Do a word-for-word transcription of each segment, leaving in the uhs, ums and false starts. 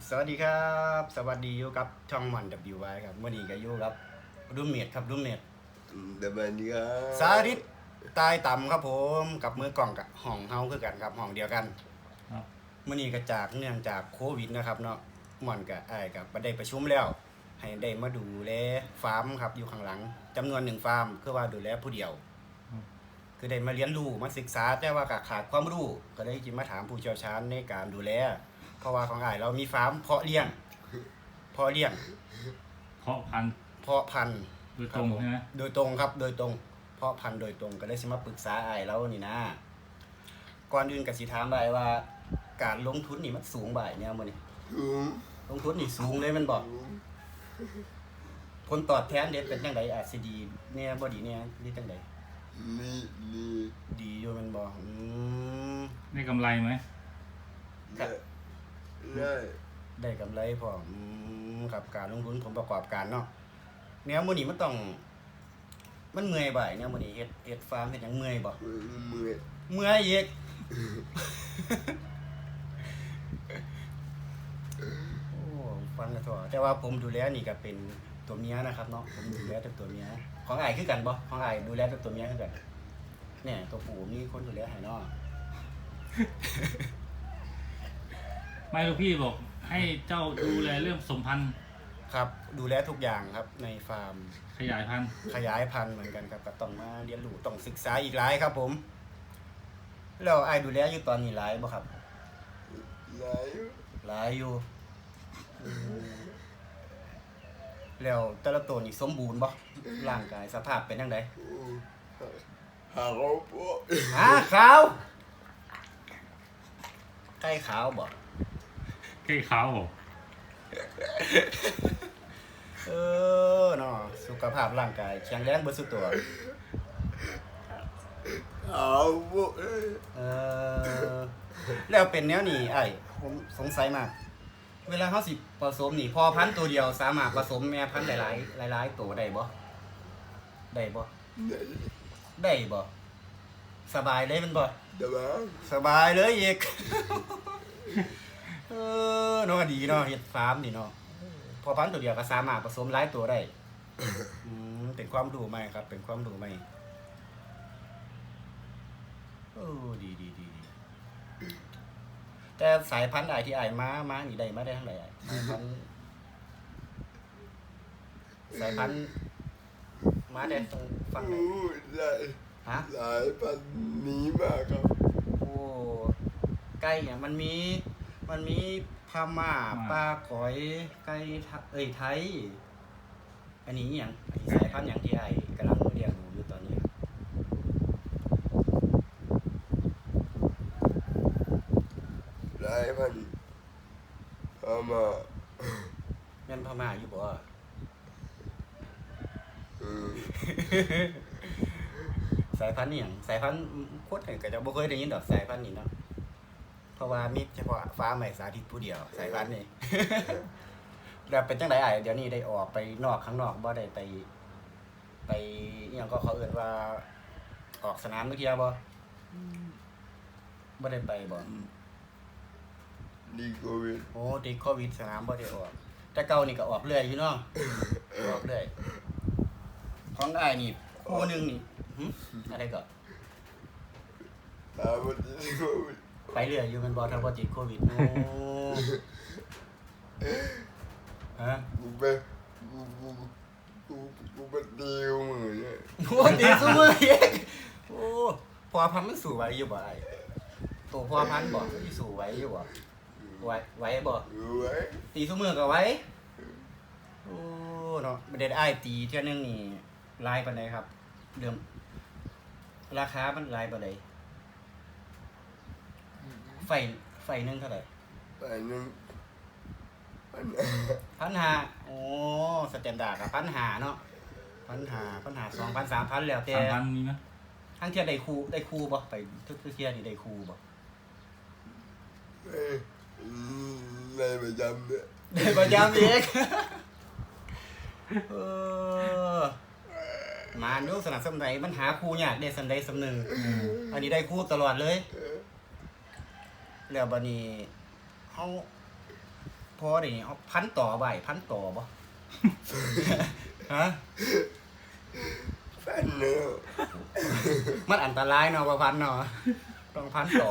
สวัสดีครับสวัสดีอยู่กับช่องมัน ดับเบิลยู วาย ครับวันนี้ก็อยู่กับรูมเมทครับรูมเมทเดี๋ยวมันนี้ครับสาธิตตายต่ำครับผมกับมือกล่องกับห้องเฮาคือกันครับห้องเดียวกันมื้อนี้ก็จากเนื่องจากโควิดนะครับเนาะม่อนกับอ้ายกับบ่ได้ประชุมแล้วให้ได้มาดูแลฟาร์มครับอยู่ข้างหลังจำนวนหนึ่งฟาร์มคือว่าดูแลผู้เดียวคือได้มาเรียนรู้มาศึกษาแต่ว่าก็ขาดความรู้ก็ได้จิมาถามผู้เชี่ยวชาญในการดูแลเพราะว่าของอ้ายเรามีฟาร์มเพาะเลี้ยงเพาะเลี้ยงเพาะพันธุ์เพาะพันธุ์โดยตรงใช่ไหมโดยตรงครับโดยตรงเพาะพันธุ์โดยตรงก็เลยสิมาปรึกษาอ้ายเรานี่นะก่อนอื่นก็สิถามได้ว่าการลงทุนนี่มันสูงบ่ายเนี่ยมื้อนี้ลงทุนนี่สูงเลยมันบ่ผลตอบแทนเด็ดเป็นจังไดอาจสิดีแน่บ่ดีแน่หรือจังไดนี่นี่ดีอยู่แม่นบ่อืมได้กำไรไหมได้ได้ได้กำไรพร้อมอืมครับการลงทุนผลประกอบการเนาะแนวมื้อนี้มันต้องมันเมื่อยบ่ายแนวมื้อนี้เฮ็ดเฮ็ดฟาร์มเฮ็ดหยังเมื่อยบ่เมื่อยเมื่อยอีกโอ้ฟังแล้วก็แต่ว่าผมดูแลนี่ก็เป็นตัวเมียนะครับเนาะผมดูแลแต่ตัวเมียของอ้ายคือกันบ่ของอ้ายดูแลแต่ตัวเมียคือกันเนี่ยตัวผู้มีคนดูแลให้เนาะไม่ลูกพี่บอกให้เจ้าดูแลเรื่องสมพันธุ์ครับดูแลทุกอย่างครับในฟาร์มขยายพันธุ์ขยายพันธุ์เหมือนกันครับก็ต้องมาเรียนรู้ต้องศึกษาอีกหลายครับผมแล้วอ้ายดูแลอยู่ตอนนี้หลายบ่ครับหลายหลายอยู่แล้วแต่ละตัวนี่สมบูรณ์บ่ร่างกายสภาพเป็นจังไดหาเขาปะหาขาวไก่ขาวบ่ไก่ขาวบ่เออเนาะสุขภาพร่างกายแข็งแรงเบิดสุดตัวเอาปะเออแล้วเป็นแนวนี้ไอ้ผมสงสัยมากเวลาเขาสิผสมนี่พอพันธุ์ตัวเดียวสามารถผสมแม่พันธุ์หลายๆหลายๆตัวได้บ่ได้บ่ได้บ่สบายเลยมันบ่เดี๋ยวมาสบายเลยอีกเออเนาะดีเนาะเฮ็ดฟาร์มนี่เนาะพอพันธุ์ตัวเดียวก็สามารถผสมหลายตัวได้อืมเป็นความรู้ใหม่ครับเป็นความรู้ใหม่โอ้ดีดีดีแต่สายพันธุ์อ้ายที่อ้ายมามานี่ได้มาได้เท่าไหร่อ้ายสายพันธุ์สายพันธุ์มาได้ตรงฝั่งไหนหลายฮะหลายพันนี้มากครับโอ้ไก่เนี่ยมันมีมันมีพม่าปลาก๋อยไก่เอ้ยไทยอันนี้อย่างอันนี้สายพันธุ์อย่างที่ไอ้กำลังเรียนอยู่ตอนนี้หลายพันพม่าแม่นพม่าอยู่บ่สายพันธุ์นี่อย่างสายพันธุ์โคตรก็จะบ่เคยได้ยินดอกสายพันธุ์นี่เนาะเพราะว่ามีเฉพาะฟ้าใหม่สาธิตผู้เดียวสายพันธุ์นี่ แล้วเป็นจังได๋อ้ายเดี๋ยวนี้ได้ออกไปนอกข้างนอกบ่ได้ไปไปอีหยังก็เขาเอิ้นว่าออกสนามมื้อเที่ยบ่บ่ได้ไปบ่ดีโควิดโอ้ติดโควิดสนามบ่ได้ออกแต่เก่านี่ก็ออกเรื่อยอยู่เนาะออกเรื่อยของอ้ายนี่คู่นึงนี่หึอะไรก็ตาบ่ติดโควิดไปเรื่อยอยู่มันบ่ถ้าบ่ติดโควิดโอ้ฮะกูไปกูกูกูกูไปตีมือเนี่ยโอ้ตีซุมืออีกโอ้พอพันมันสู้ไหวอยู่บ่ไอ้ตัวพอพันบ่สิสู้ไหวอยู่บ่ไหวไหวบ่ไหวตีซุมือก็ไหวโอ้เนาะบ่ได้อ้ายตีเทื่อนึงนี่หลายปานใดครับเดิมราคามันหลายปานใดไฟไฟนึงเท่าไหร่ไฟนึงพันห้าโอ้สแตนดาร์ดกับพันห้าเนาะพันห้าพันห้าสองพันสามพันแล้วแต่สามพันมีไหมทั้งเที่ยได้คู่ได้คู่บ่ไปทุกเที่ยนี่ได้คู่บ่ได้ประจำเนี่ยได้ประจำอีกเออมาดูสนับสนุนไหนมันหาคู่ยากได้สันใดสำนึงอันนี้ได้คู่ตลอดเลยแล้วบัดนี้เฮาพอได้เอาพันต่อไว้พันต่อบ่ ฮะแฟนแล้วมันอันตรายเนาะบ่พันเนาะต้องพันต่อ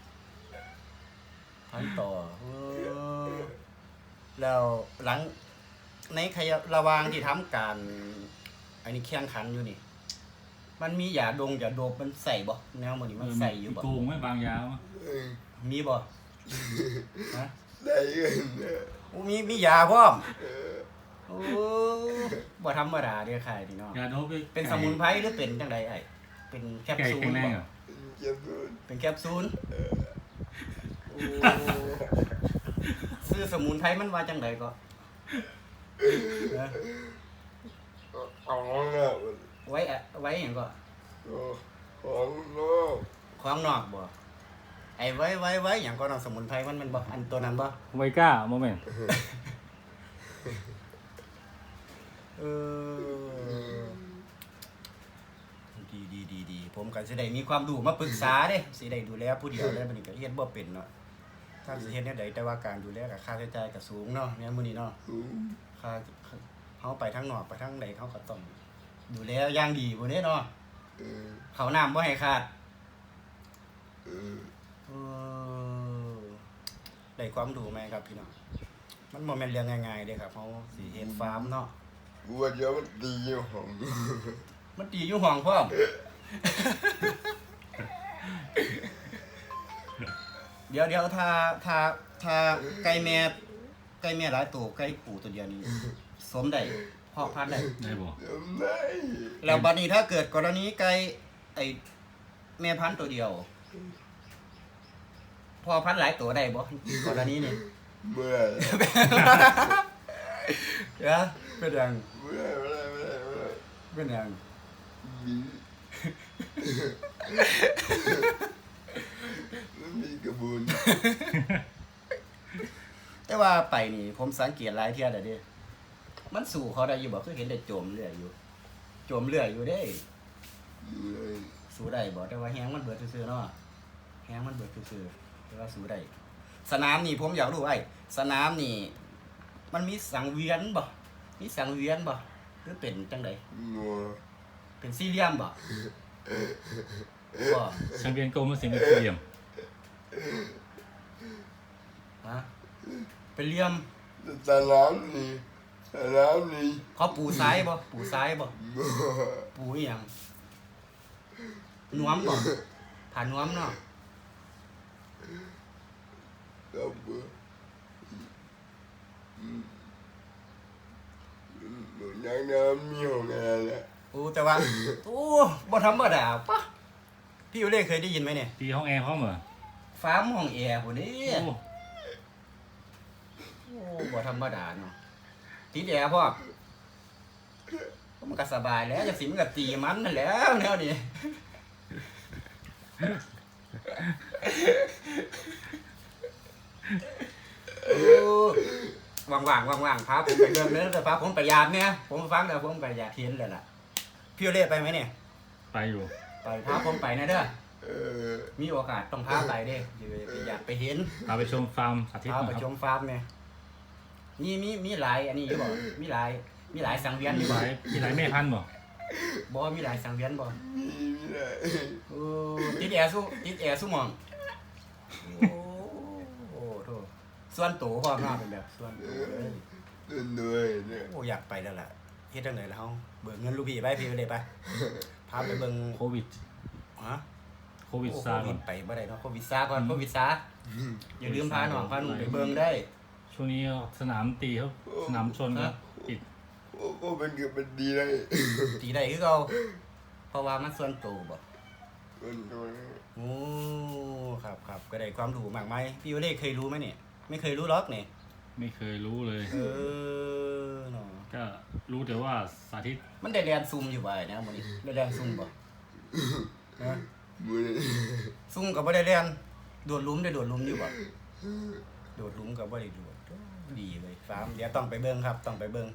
พันต่อเออแล้วหลังในขยะระหว่างที่ทำการอันนี้แข่งขันอยู่นี่ มันมียาดงยาโดบมันใส่บ่แนวมื้อนี้มันใส่อยู่บ่โกงไหม่บางยาวะเออมีบ่ฮะได้เงินเนี่ยโอ้มีมียาพร้อมเออโอ้บ่ธรรมดาเด้อค่ะนี่เนาะยาโดบเป็นสมุนไพรหรือเป็นจังไดไอ้เป็นแคปไก่ซูลแข็งแรงบ่เหรอเก็บเงินเป็นแคปซูลโอ้ซื้อสมุนไพรมันว่าจังไดก็นะเอาเนี่ยไว้อะไว้หยังก็ของนอกของนอกบ่ไอ้ไว้ไว้ไว้หยังก็เนาะสมุนไพรมันแมันบ่อันตัวนั้นบ่ไวก้าโมเมนต์เออดีดีดีดีผมก็สิได้มีความรู้มาปรึกษาเด้สิได้ดูแลผู้เดียวเลยบัดนี้ก็เฮ็ดบ่เป็นเนาะถ้าสิเฮ็ดแนวใดแต่ว่าการดูแลก็ค่าใช้จ่ายก็สูงเนาะแม่นมื้อนี้เนาะสูงค่าเฮาไปทางนอกไปทางใดเขาก็ต้องดูแลอย่างดีบ่เด้เนาะเออเขาวน้ำบ่ให้ขาดเออเออได้ความรู้ไหมครับพี่น้องมันบ่แม่นเรื่องง่ายๆเด้ครับเฮาสิเฮ็ดฟาร์มเนาะกูว่าเดี๋ยวมันดีอยู่ของมันดีอยู่ห้องพร้อม เดี๋ยวเดี๋ยวถ้าถ้าถ้าไก่แม่ไก่แม่หลายตัวไก่ปู่ตัวเดียวนี้สมได้เพาะพันธุ์ได้ได้บ่เดี๋ยวได้แล้วบัดนี้ถ้าเกิดกรณีไก่ไอ้แม่พันธุ์ตัวเดียวพอพันธุ์หลายตัวได้บ่กรณีนี้เมื่อเดี๋ยวเป็นหยังเมื่อเมื่อเมื่อเมื่อเป็นหยังมีมันมีกระบุนแต่ว่าไปนี่ผมสังเกตหลายเที่ยแล้วเด้มันสู่เขาได้อยู่บ่คือเห็นได้โจมเรื่อยอยู่โจมเรื่อยอยู่เด้อยู่เลยสู้ได้บ่แต่ว่าแฮงมันเบิดซื่อๆเนาะแฮงมันเบิดซื่อๆแต่ว่าสู้ได้สนามนี่ผมอยากรู้ไอ้สนามนี่ มันมีสังเวียนบ่มีสังเวียนบ่หรือเป็นจังไดงัวเป็นสี่เหลี่ยมบ่บ่ช่างเวียนโกงมาสิงเป็นสี่เหลี่ยมฮะเป็นเหลี่ยมสนามนี่สนามนี่เขาปูซ้ายบ่ปูซ้ายบ่งัวปูอีหยังนวมบ่ผ่านนวมเนาะก็เบื่ออืมอืมยังน้ำมีของอะไรแหละโอ้แต่ว่าโอ้บ่ธรรมดาปะพี่อยู่เล่เคยได้ยินไหมเนี่ยตีห้องแอร์พร้อมเหรอฟาร์มห้องแอร์พุ่นนี่โอ้โอ้บ่ธรรมดาเนาะติดแอร์พ่อมันก็สบายแล้วจะสิมันก็ตีมันนั่นแหล้วแนวนี้โอ้ว่างๆว่างๆพาผมไปเดินเด้อแต่พาผมไปยามเนี่ยผมฟังแล้วผมก็อยากเห็นเลยล่ะพี่อยู่เล่ไปไหมเนี่ยไปอยู่ไปพาผมไปนะเด้อเออมีโอกาสต้องพาไปเด้อยากไปเห็นพาไปชมฟาร์มสาธิตพาหไปน่อยคชรับมฟาร์มเนี่ยมีมีมีหลายอันนี้อยู่บ่มีหลายมีหลายสังเวียนอยู่หบ่ลายมีหลายแม่พันธุ์บ่บ่มีหลายสังเวียนบ่มีมีอะไรโอ้ติดแอร์สู้ติดแอร์สู้หมองโอ้โอ้โธ่ส่วนตัวพร้อมเนาะเป็นแบบส่วนตัวเลยเดินด้วยเนี่ยโอ้อยากไปแล้วล่ะเฮ็ดจังได๋ล่ะเฮาเบิกเงินลูกพี่ไปพี่ไปเลยไปพาไปเบิ่งโควิดฮะโควิดโอ้ซาโคก่วิอนดไปบ่ได้เนาะโควิดซาก่อนโควิดซาอย่าลืมพาน้องพาหนุ่มไปเบิ่งได้ช่วงนี้สนามตีเขาสนามชนครับปิดโอ้ก็เป็นเกือบเป็นดีเลยตีได้คือเก่าเพราะว่ามันส่วนตัวบ่เป็นตัวนี้โอ้ครับครับก็ได้ความรู้มากมายพี่วเล่เคยรู้ไหมเนี่ยไม่เคยรู้หรอกเนี่ยไม่เคยรู้เลยเออเนาะก็รู้แต่ว่าสาธิตมันได้เรียนซุ่มอยู่บ่ายนะมื้อนี้ได้เรียนซุ่มบ่นะมือซุ่มก็บ่ได้เรียนโดดหลุมได้โดดหลุมอยู่บ่โดดหลุมก็บ่ได้โดดดีเลยฟาร์มเดี๋ยวต้องไปเบิ่งครับ ต้องไปเบิ่ง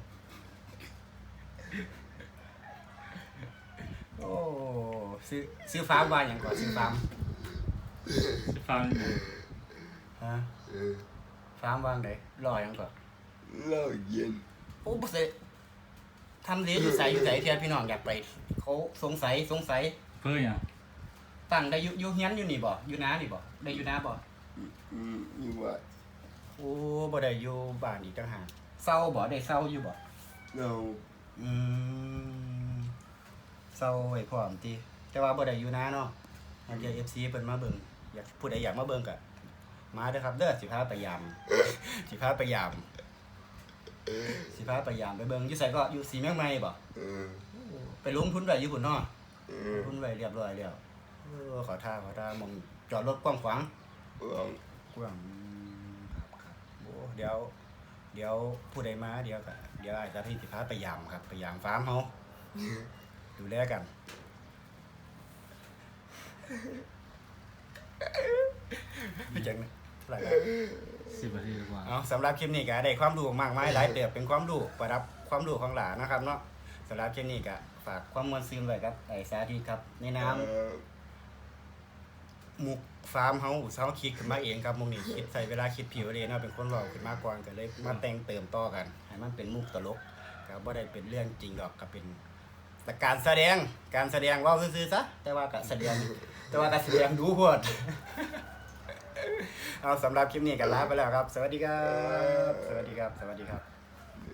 โอ้ซื้อซื้อฟาร์มว่าหยังก่อนซื้อฟาร์มฟาร์มฮะเออฟถามวางไดรอหยังก่อนเลิกเย็นโอ้บ่เสทำเรียนอยู่ไสอยู่ไสเที่ยพี่น้องอยากไปเขาสงสัยสงสัยเพื่ออย่างตั้งได้อยู่อยู่เฮียนอยู่นี่บ่อยู่นานี่บ่ได้อยู่นาบ่อืมอยู่ว่าโอ้บ่ได้อยู่บ้านอีกต่างหากเศร้าบ่ได้เศร้าอยู่บ่เราอืมเศร้าไว้พร้อมติแต่ว่าบ่ได้อยู่นาเนาะอันเดียว เอฟ ซี เพิ่นมาเบิ่งอยากผู้ใดอยากมาเบิ่งก็มาเด้อครับเด้อสิพาไปยาม สิพาไปยามสิพาไปยามไปเบิ่งอยู่ไสก็อยู่สีเมืองใหม่บ่เออไปลงทุนไว้อยู่พุ่นเนาะเอลองทุนไว้เรียบร้อยแล้วเออขอท่าขอท่ามองจอดรถกว้างขวางลองกว้างอืมครับครับโอ้เดี๋ยว เดี๋ยวผู้ใดมาเดี๋ยวก็เดี๋ยวอาจจะพี่สิพาไปยามครับไปยามฟาร์มเฮาดูแลกันพี่จังเท่าไหร่แล้วสิบนาทีกว่าเอาสำหรับคลิปนี้ก็ได้ความรู้มากมายหลายเติบเป็นความรู้ประดับความรู้ของหลานนะครับเนาะสำหรับคลิปนี้ก็ฝากความมวลซึมไว้ครับไอ้สาธิตครับในน้ำเออหมุกฟาร์มเฮาเฮาคิดขึ้นมาเองครับมุกนี้คิดใส่เวลาคิดผิวเลยเนาะเป็นคนเว้าขึ้นมาก่อนก็เลยมาแต่งเติมต่อกันให้มันเป็นมุกตลกก็บ่ได้เป็นเรื่องจริงดอกก็เป็นแต่การแสดงการแสดงเว้าซื่อๆซะแต่ว่าก็แสดงแต่ว่าก็แสดงดูโพด เอาสำหรับคลิปนี้ก็ลาไปแล้วครับ สวัสดีครับ สวัสดีครับ สวัสดีครับ